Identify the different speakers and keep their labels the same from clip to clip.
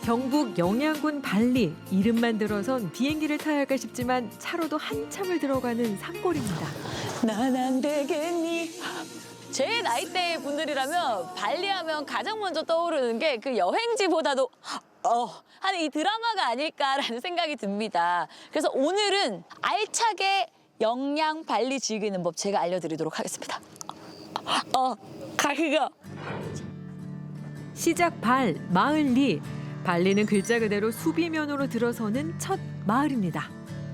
Speaker 1: 경북 영양군 발리, 이름만 들어선 비행기를 타야 할까 싶지만 차로도 한참을 들어가는 산골입니다.
Speaker 2: 난 안 되겠니? 제 나이대 분들이라면 발리하면 가장 먼저 떠오르는 게 그 여행지보다도 하는 이 드라마가 아닐까라는 생각이 듭니다. 그래서 오늘은 알차게 영양 발리 즐기는 법 제가 알려드리도록 하겠습니다. 가기가.
Speaker 1: 시작 발, 마을 리. 발리는 글자 그대로 수비면으로 들어서는 첫 마을입니다.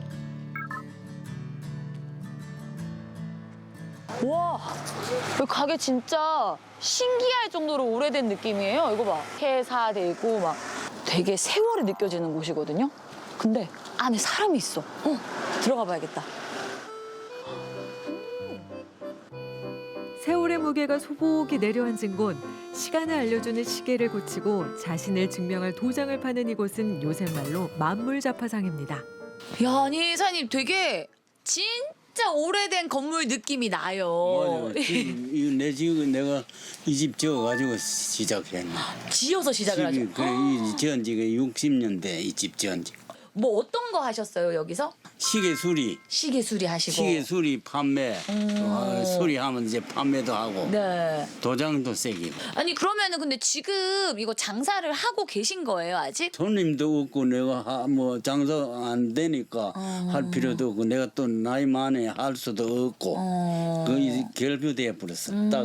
Speaker 2: 와, 이 가게 진짜 신기할 정도로 오래된 느낌이에요. 이거 봐. 폐사되고 막 되게 세월이 느껴지는 곳이거든요. 근데 안에 사람이 있어. 들어가 봐야겠다.
Speaker 1: 세월의 무게가 소복이 내려앉은 곳, 시간을 알려주는 시계를 고치고 자신을 증명할 도장을 파는 이곳은 요새 말로 만물자파상입니다.
Speaker 2: 야, 아니 사장님 되게 진짜 오래된 건물 느낌이 나요.
Speaker 3: 맞아. 내 집은 내가 이 집 지어가지고 시작했네.
Speaker 2: 지어서 시작을 하죠.
Speaker 3: 그래, 이 지은 지가 60년대 이 집 지은 지.
Speaker 2: 뭐 어떤 거 하셨어요 여기서?
Speaker 3: 시계 수리,
Speaker 2: 시계 수리 하시고.
Speaker 3: 시계 수리 판매, 수리하면 이제 판매도 하고
Speaker 2: 네.
Speaker 3: 도장도 새기고.
Speaker 2: 아니 그러면은 근데 지금 이거 장사를 하고 계신 거예요 아직?
Speaker 3: 손님도 없고 내가 뭐 장사 안 되니까 할 필요도 없고 내가 또 나이 많에 할 수도 없고 거의 결부돼 버렸어. 딱.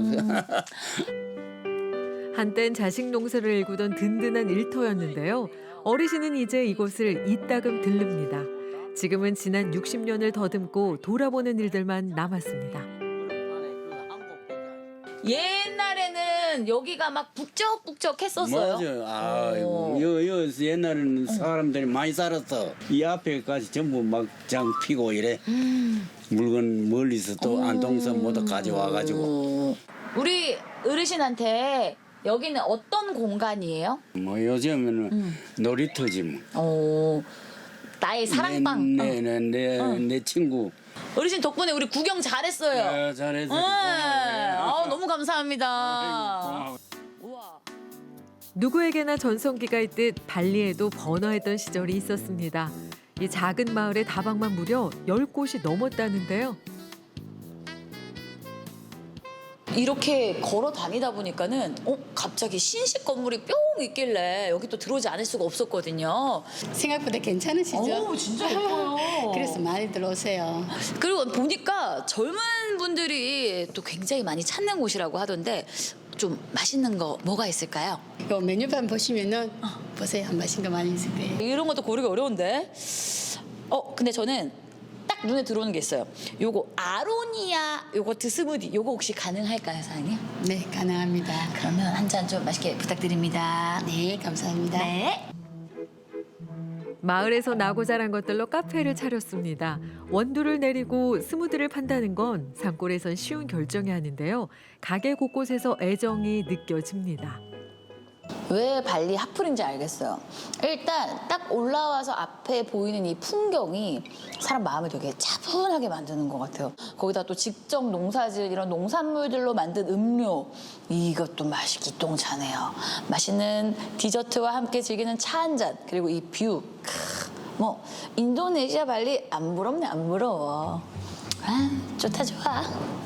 Speaker 1: 한땐 자식 농사를 일구던 든든한 일터였는데요. 어르신은 이제 이곳을 이따금 들릅니다. 지금은 지난 60년을 더듬고 돌아보는 일들만 남았습니다.
Speaker 2: 옛날에는 여기가 막 북적북적했었어요.
Speaker 3: 맞아. 아이고, 여 옛날에는 사람들이 많이 살았어. 이 앞에까지 전부 막장 피고 이래. 물건 멀리서 또 안동선 모두 가져와가지고.
Speaker 2: 우리 어르신한테 여기는 어떤 공간이에요?
Speaker 3: 뭐 요즘에는 놀이터지 뭐.
Speaker 2: 나의 사랑방.
Speaker 3: 내 친구.
Speaker 2: 어르신 덕분에 우리 구경 잘했어요.
Speaker 3: 잘했어.
Speaker 2: 너무 감사합니다. 우와.
Speaker 1: 누구에게나 전성기가 있듯 발리에도 번화했던 시절이 있었습니다. 이 작은 마을의 다방만 무려 10곳이 넘었다는데요.
Speaker 2: 이렇게 걸어 다니다 보니까는 갑자기 신식 건물이 뿅 있길래 여기 또 들어오지 않을 수가 없었거든요.
Speaker 4: 생각보다 괜찮으시죠?
Speaker 2: 진짜 예뻐요.
Speaker 4: 그래서 많이 들어오세요.
Speaker 2: 그리고 보니까 젊은 분들이 또 굉장히 많이 찾는 곳이라고 하던데 좀 맛있는 거 뭐가 있을까요?
Speaker 4: 요 메뉴판 보시면은 보세요. 맛있는 거 많이 있을 거예요.
Speaker 2: 이런 것도 고르기 어려운데. 근데 저는 딱 눈에 들어오는 게 있어요. 요거 아로니아 요거트 스무디 요거 혹시 가능할까요, 사장님?
Speaker 4: 네, 가능합니다.
Speaker 2: 그러면 한 잔 좀 맛있게 부탁드립니다.
Speaker 4: 네, 감사합니다.
Speaker 2: 네.
Speaker 1: 마을에서 나고 자란 것들로 카페를 차렸습니다. 원두를 내리고 스무디를 판다는 건 산골에선 쉬운 결정이 아닌데요. 가게 곳곳에서 애정이 느껴집니다.
Speaker 2: 왜 발리 핫플인지 알겠어요. 일단 딱 올라와서 앞에 보이는 이 풍경이 사람 마음을 되게 차분하게 만드는 것 같아요. 거기다 또 직접 농사질 이런 농산물들로 만든 음료 이것도 맛이 기똥차네요. 맛있는 디저트와 함께 즐기는 차 한 잔 그리고 이 뷰. 뭐 인도네시아 발리 안 부럽네 안 부러워. 좋다 좋아.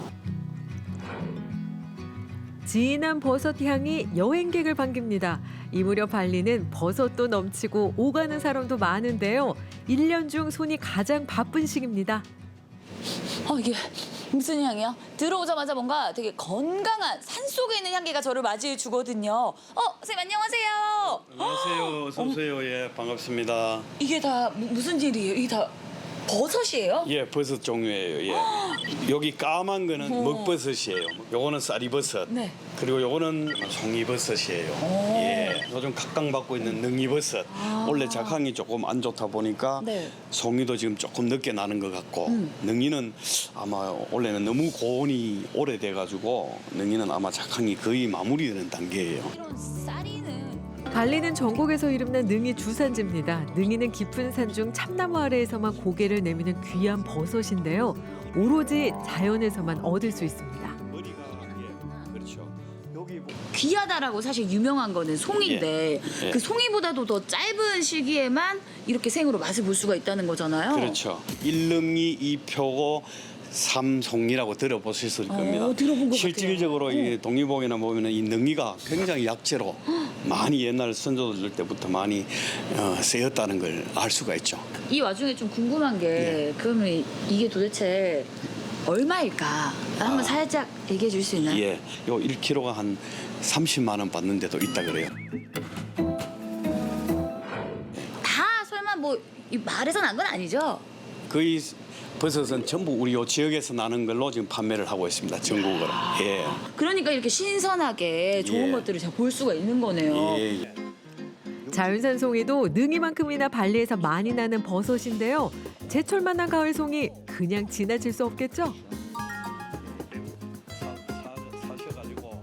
Speaker 1: 진한 버섯 향이 여행객을 반깁니다. 이 무렵 발리는 버섯도 넘치고 오가는 사람도 많은데요. 1년 중 손이 가장 바쁜 시기입니다.
Speaker 2: 이게 무슨 향이야? 들어오자마자 뭔가 되게 건강한 산속에 있는 향기가 저를 맞이해 주거든요. 선생님 안녕하세요.
Speaker 5: 안녕하세요. 어서 오세요. 예, 반갑습니다.
Speaker 2: 이게 다 무슨 일이에요? 이게 다 버섯이에요?
Speaker 5: 예, 버섯 종류예요. 예. 여기 까만 거는 먹버섯이에요. 요거는 쌀이버섯.
Speaker 2: 네.
Speaker 5: 그리고 요거는 송이버섯이에요. 예. 요즘 각광받고 있는 능이버섯. 원래 작황이 조금 안 좋다 보니까
Speaker 2: 네.
Speaker 5: 송이도 지금 조금 늦게 나는 것 같고 능이는 아마 원래는 너무 고온이 오래돼 가지고 능이는 아마 작황이 거의 마무리되는 단계예요.
Speaker 2: 이런 쌀이는
Speaker 1: 발리는 전국에서 이름난 능이 주산지입니다. 능이는 깊은 산 중 참나무 아래에서만 고개를 내미는 귀한 버섯인데요. 오로지 자연에서만 얻을 수 있습니다.
Speaker 5: 머리가 그렇죠. 여기
Speaker 2: 귀하다라고 사실 유명한 거는 송이인데
Speaker 5: 예.
Speaker 2: 그 송이보다도 더 짧은 시기에만 이렇게 생으로 맛을 볼 수가 있다는 거잖아요.
Speaker 5: 그렇죠. 1능이 2표고 3송이라고 들어보실 수 있을 겁니다.
Speaker 2: 들어본 것
Speaker 5: 실질적으로 이 독립봉이나 보면은 이 능이가 굉장히 약재로 많이 옛날 선조들 때부터 많이 쓰였다는 걸 알 수가 있죠.
Speaker 2: 이 와중에 좀 궁금한 게 그러면 이게 도대체 얼마일까? 한번 살짝 얘기해 줄 수 있나요?
Speaker 5: 예, 요 1kg가 한 30만 원 받는 데도 있다 그래요.
Speaker 2: 다 설마 뭐 이 마을에서 난 건 아니죠?
Speaker 5: 거의 버섯은 전부 우리 요 지역에서 나는 걸로 지금 판매를 하고 있습니다. 전국으로. 예.
Speaker 2: 그러니까 이렇게 신선하게 좋은
Speaker 5: 예.
Speaker 2: 것들을 제가 볼 수가 있는 거네요.
Speaker 5: 예, 예.
Speaker 1: 자연산 송이도 능이만큼이나 발리에서 많이 나는 버섯인데요. 제철 만난 가을 송이 그냥 지나칠 수 없겠죠?
Speaker 5: 사셔가지고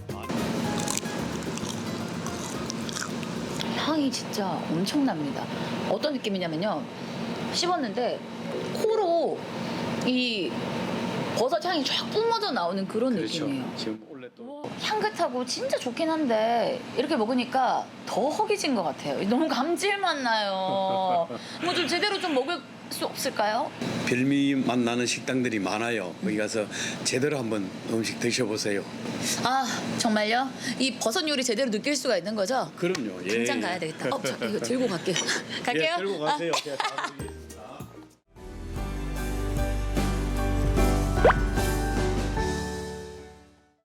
Speaker 2: 향이 진짜 엄청납니다. 어떤 느낌이냐면요. 씹었는데 코로 이 버섯 향이 쫙 뿜어져 나오는 그런
Speaker 5: 그렇죠.
Speaker 2: 느낌이에요.
Speaker 5: 지금 원래 또
Speaker 2: 향긋하고 진짜 좋긴 한데 이렇게 먹으니까 더 허기진 것 같아요. 너무 감질맛 나요. 뭐 좀 제대로 좀 먹을 수 없을까요?
Speaker 5: 별미 맛 나는 식당들이 많아요. 거기 가서 제대로 한번 음식 드셔보세요.
Speaker 2: 아 정말요? 이 버섯 요리 제대로 느낄 수가 있는 거죠?
Speaker 5: 그럼요. 예.
Speaker 2: 당장 가야 되겠다. 저 이거 들고 갈게요. 갈게요.
Speaker 5: 예, 들고 가세요. 제가 다 드리겠습니다.